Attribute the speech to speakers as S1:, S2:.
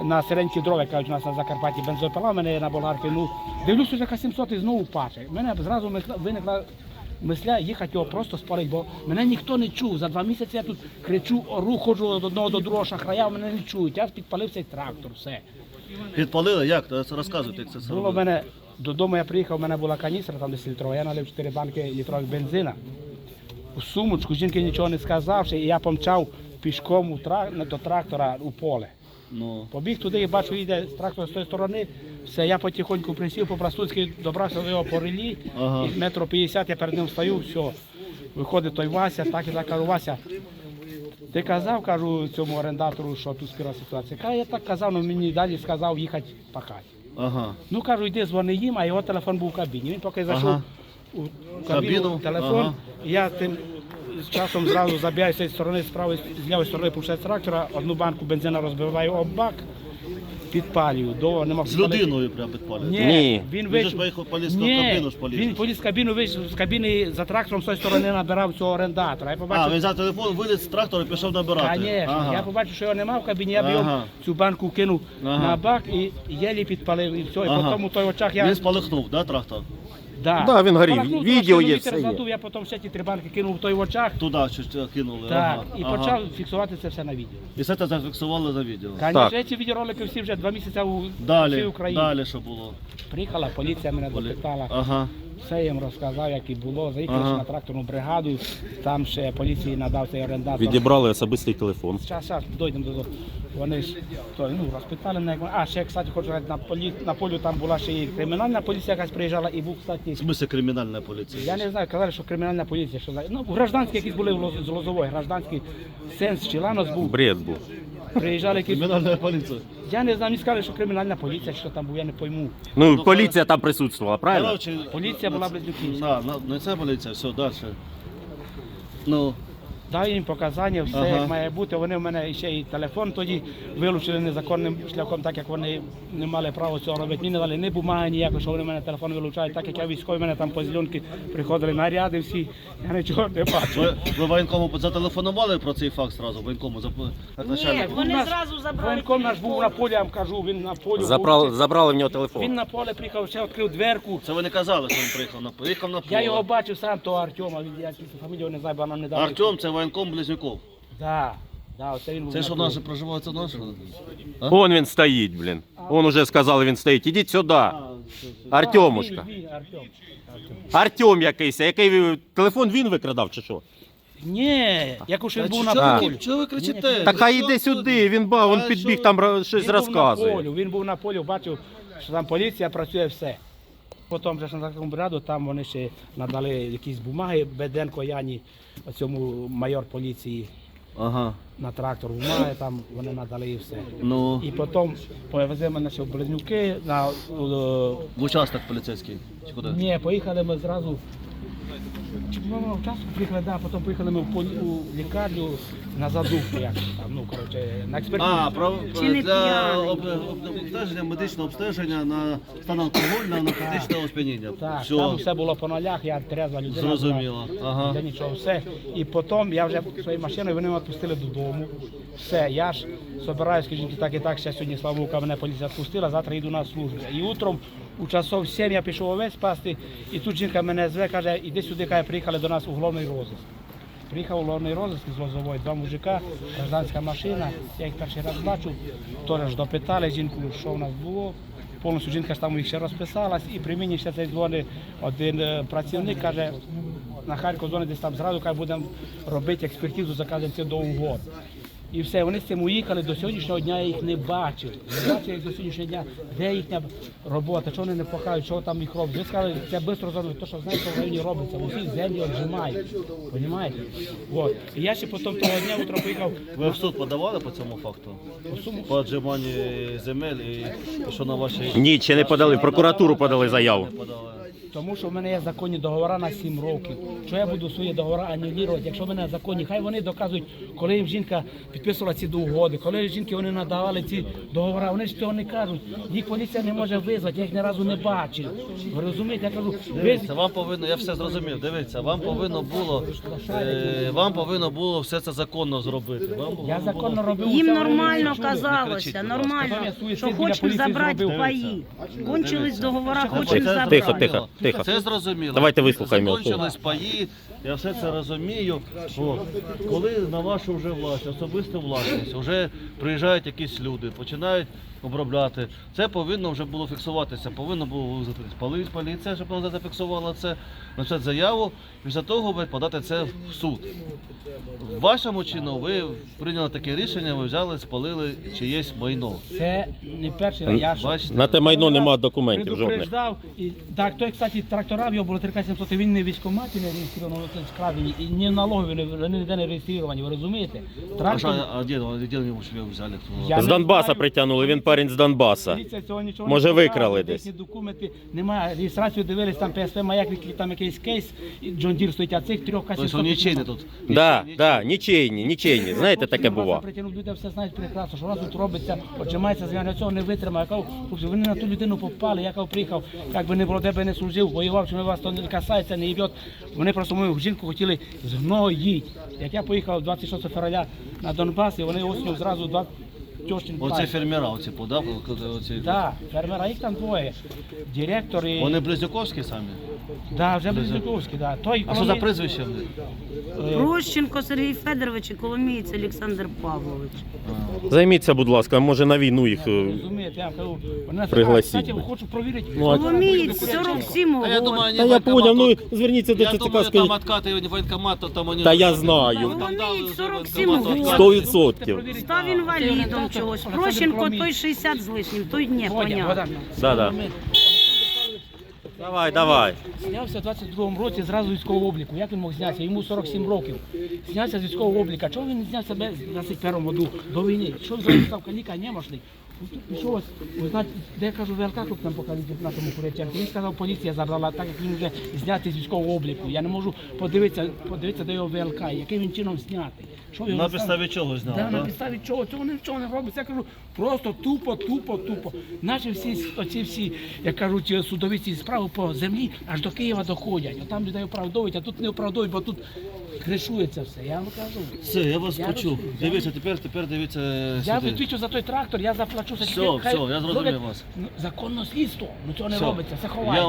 S1: на середній дрова, кажуть, у нас на Закарпатті бензопила, в мене на болгарки, ну, дивлюсь, уже К-700 і знову паче. У мене зразу виникла мисля їхати його просто спалити, бо мене ніхто не чув. За 2 місяці я тут кричу, ору, ходжу від одного до другого шахрая, мене не чують. Я підпалив цей трактор, все.
S2: Підпалили? Як? Розказуйте, як це
S1: Було
S2: робили.
S1: в мене, додому я приїхав, у мене була каністра, там 10 літрова, я налив 4 банки літрових бензина. У сумочку, жінки нічого не сказавши, і я помчав пішком до трактора у поле.
S2: Ну.
S1: Побіг туди і бачу, йде трактор з тої сторони, все, я потихоньку присів, по-простуцьки добрався до його по релі,
S2: Ага.
S1: і 1,50 м я перед ним стою, все. Виходить той Вася, так і так, кажу, Вася, ти казав, кажу, цьому орендатору, що тут спіра ситуація. Каже, я так казав, але мені далі сказав їхати пахати.
S2: Ага.
S1: Ну, кажу, йди дзвони їм, а його телефон був в кабіні. Він поки зайшов
S2: Ага.
S1: у кабіну,
S2: Кабіну?
S1: телефон,
S2: Ага.
S1: і я тим часом зразу забігаю з цієї сторони, з правої, з лівої сторони пушать трактора, одну банку бензина розбиваю об бак, підпалюю. Нема
S2: З людиною прям підпалили?
S1: Ні, він
S2: Він же
S1: вийшов.
S2: ж поїхав, поліз в
S1: Ні,
S2: кабіну ж поліз.
S1: він поліз в кабіну, вийшов з кабіни за трактором з тої сторони набирав цього орендатора. Я
S2: А,
S1: побачив,
S2: він взяв телефон, виліз з трактора і пішов набирати.
S1: Конечно, я побачив, що його немає в кабіні, я б його
S2: Ага.
S1: цю банку кинув
S2: Ага.
S1: на бак і єлі підпалив, і все. І
S2: Ага.
S1: потім у той очах я...
S2: Він спалахнув, да, трактор?
S3: Да, він горів.
S1: Спалахнув,
S3: Відео
S1: трошки
S3: є,
S1: вітер
S3: все є.
S1: задув, я потім ще ті 3 банки кинув в той в очах.
S2: Туди щось кинули.
S1: Так,
S2: ага.
S1: і
S2: ага.
S1: почав фіксувати це все на відео.
S2: І все це зафіксували на відео.
S1: Звісно, ці відеоролики всі вже 2 місяці у всій
S2: Далі,
S1: Україні.
S2: далі що було?
S1: Приїхала поліція, мене допитала.
S2: Ага.
S1: Все їм розказав, як і було. Заїхали
S2: Ага.
S1: на тракторну бригаду, там ще поліції надав цей орендатор.
S3: Відібрали особистий телефон.
S1: Зараз дійдемо до. Вони ж розпитали мене. А ще, кстати, хочу сказати, на полю там була ще і кримінальна поліція якась приїжджала, і був, кстати,
S2: В смысле кримінальна поліція?
S1: я не знаю, казали, що кримінальна поліція, що гражданські якісь були з Лозової, гражданський сенс Чиланос був,
S3: Бред був.
S1: приїжджали якісь.
S2: Кримінальна поліція.
S1: Я не знаю, мені сказали, що кримінальна поліція, що там був, я не пойму.
S3: Ну, поліція там присутствувала, правильно?
S2: Короче,
S1: Поліція була Близнюківська.
S2: не це поліція, все, далі. Ну,
S1: Дав їм показання, все
S2: Ага.
S1: як має бути. Вони в мене ще і телефон тоді вилучили незаконним шляхом, так як вони не мали права цього робити. Мені не дали ні бумаги ніякої, що вони в мене телефон вилучають, так як я військовий, в мене там по зеленки приходили наряди всі, я нічого не бачу.
S2: ви воєнкому зателефонували про цей факт зразу? Воєнкому як
S4: Ні,
S2: начальник?
S4: вони
S1: Наш
S4: зразу забрали.
S1: Воєнком наш був на полі, я вам кажу, він на полі був.
S3: Забрали в нього
S1: Він
S3: телефон.
S1: на поле приїхав, ще відкрив дверку.
S2: Це ви не казали, що він приїхав на поле.
S1: Я його бачив сам, того Артема, я фамілію не знаю, бо нам не дали.
S2: Артем, це воєнком Близнюков.
S1: Да, оце він був
S2: Це
S1: на
S2: що
S1: полі.
S2: наше проживає, це наше?
S3: Вон він стоїть, блін. Он уже сказали, він стоїть. Ідіть сюди. Артемушка.
S1: Він, Артем.
S3: Артем якийсь. Який телефон він викрадав чи що?
S1: Ні, якось він був
S2: Чого
S1: на
S2: ви-
S1: полі.
S2: Чого ви кричите?
S3: Так хай іде сюди, він підбіг там щось розказує.
S1: Він був на полі, бачив, що там поліція працює все. Потім вже на такому бригаду, там вони ще надали якісь бумаги, Беденко Яні, цьому майор поліції
S2: Ага.
S1: на трактор бумаги, там вони надали і все.
S2: Ну,
S1: І потім повезли мене ще в Близнюки,
S2: в участок поліцейський. Чи куди?
S1: ні, поїхали ми зразу. В часу приїхали, да, потім поїхали ми у лікарню на задумку, як там, ну, коротше, на експертизу.
S4: Чи не
S2: для
S4: п'яний?
S2: обстеження, медичного обстеження на стан алкогольного, наркотичного сп'яніння.
S1: Так, там
S2: Все,
S1: все було по нулях, я трезва людина.
S2: зрозуміло. Ага.
S1: Для нічого, все. І потім я вже своєю машиною, вони мене відпустили додому. Все, я ж збираюся, скажіть, так і так, ще сьогодні, слава Богу, мене поліція відпустила, завтра йду на службу. І утром у часов 7 я пішов овець пасти, і тут жінка мене зве, каже, іди сюди, каже, приїхали до нас уголовний розиск. Приїхав уголовний розиск з Лозової, 2 мужика, гражданська машина, я їх перший раз бачу, теж допитали жінку, що в нас було. Повністю жінка ж там їх ще розписалась, і при мені ще цей дзвонить один працівник, каже, на Харків дзвонить десь там зразу, каже, будемо робити експертизу, заказуємо це до угод. І все, вони з цим уїхали, до сьогоднішнього дня я їх не бачив. Не бачив їх до сьогоднішнього дня, де їхня робота, що вони не пахають, що там їх роблять. Ви сказали, це швидко зробити, то, що знаєте, що в районі робиться, усі землі віджимають, розумієте? Вот. І я ще потім того дня утром поїхав.
S2: Ви в суд подавали по цьому факту? По отжиманні земель і що на вашій...
S3: Ні, ще не подали. В прокуратуру подали заяву.
S2: Не подали.
S1: Тому що в мене є законні договори на 7 років. Що я буду свої договори аннулювати, якщо в мене законні, хай вони доказують, коли їм жінка підписувала ці угоди, коли жінки вони надавали ці договори, вони ж цього не кажуть. Їх поліція не може визвати, я їх ні разу не бачив. Ви розумієте, я кажу,
S2: Дивіться, вам повинно, я все зрозумів, дивіться, вам повинно було все це законно зробити.
S1: я законно робив.
S4: Їм
S1: усе, вони
S4: нормально
S1: не чули.
S4: казалося, нормально,
S1: Потім я суїцид
S4: що
S1: біля
S4: хочемо
S1: поліції
S4: забрати
S1: зробив.
S4: паї. Кончились договори,
S1: Тихо,
S4: хочемо
S2: Це
S4: забрати.
S3: Тихо, тихо.
S2: Це зрозуміло.
S3: Давайте вислухаємо.
S2: Закончились паї, я все це розумію. О, коли на вашу вже власність, особисту власність, вже приїжджають якісь люди, починають обробляти. Це повинно вже було фіксуватися, повинно було визвати поліція, щоб вона зафіксувала це, написати заяву, після того ви подати це в суд. В вашому чину ви прийняли таке рішення, ви взяли, спалили чиєсь майно.
S1: Це не перший, я ж
S2: Бачите?
S3: На те майно нема документів жодних.
S1: предупреждав. І, так, той, кстати, трактора в його було 3700, він не в військкоматі не реєстрований, це скрадені, і ні в налогові вони ніде не реєстровані, ви розумієте?
S2: А де ви його взяли?
S1: Я
S3: З
S1: не
S3: Донбаса
S1: знаю.
S3: притягнули, він парень з Донбаса.
S1: Поліція цього нічого
S3: Може,
S1: не
S3: викрали
S1: показала,
S3: десь.
S1: їхні документи немає, реєстрацію дивились, там ПСП маяк, там якийсь кейс, і Джон Дір стоїть, а цих трьох касів.
S2: Тобто нічийні тут.
S3: Да, нічийні. Знаєте, таке бува.
S1: Люди все знають прекрасно, що у нас тут робиться, отжимається, я цього не витримав. Я кажу, хлопці, вони на ту людину попали, я кажу, приїхав, як би не було, де би не служив, воював, що вас то не касається, не їбет. Вони просто мою жінку хотіли згноїть. Як я поїхав 26 февраля на Донбас, і вони осінню зразу два тьощин.
S2: Оце фермера, оці подав, оці.
S1: Так, фермера, їх там двоє. Директор і...
S2: Вони близнюковські самі?
S1: Да, вже Близнюковський, да. Той,
S2: А що за прізвище в них?
S4: Прощенко Сергій Федорович і Коломієць Олександр Павлович.
S3: Займіться, будь ласка, може на війну їх.
S1: Розумієте, я кажу, вони
S3: Пригласіть.
S1: кстати, хочу провірити.
S4: Коломієць 47
S2: А я думаю,
S4: років.
S3: Та я поняв, ну зверніться до
S2: Я
S3: ЦЦК,
S2: думаю, там
S3: скажіть.
S2: откати воєнкомат, то там вони...
S3: Та я знаю.
S4: Коломієць 47
S3: 100%.
S4: Став інвалідом чогось. Прощенко той 60 з лишнім, той не, понятно.
S3: Да. Давай.
S1: Знявся в 22-му році зразу з військового обліку. Як він мог знятися? Йому 47 років. Знявся з військового обліку. Чого він не зняв себе в 21-му году до війни? Що він зразу став каліка, немощний? Пішов ось, ви знаєте, де я кажу, ВЛК, тут нам покажуть в нашому Куряченку. Він сказав, поліція забрала, так як він вже знятий з військового обліку. Я не можу подивитися до його ВЛК, яким він чином знятий. Що його
S2: На
S1: став-
S2: підставі чого зняли,
S1: Да, на
S2: так?
S1: підставі чого? Цього нічого не робиться. Я кажу, просто тупо. Наші всі, як кажуть, судові ці справи по землі аж до Києва доходять. А там людей оправдовують, а тут не оправдовують, бо тут кришується все. Я вам кажу.
S2: Все, я вас
S1: Я
S2: почув.
S1: розумію.
S2: Дивіться, тепер дивіться
S1: Я
S2: сюди.
S1: відвічу за той трактор, я заплачу за
S2: Все, я зрозумів вас.
S1: Законно слідство, ну цього не
S2: Все.
S1: робиться, це
S2: Я
S1: ховається.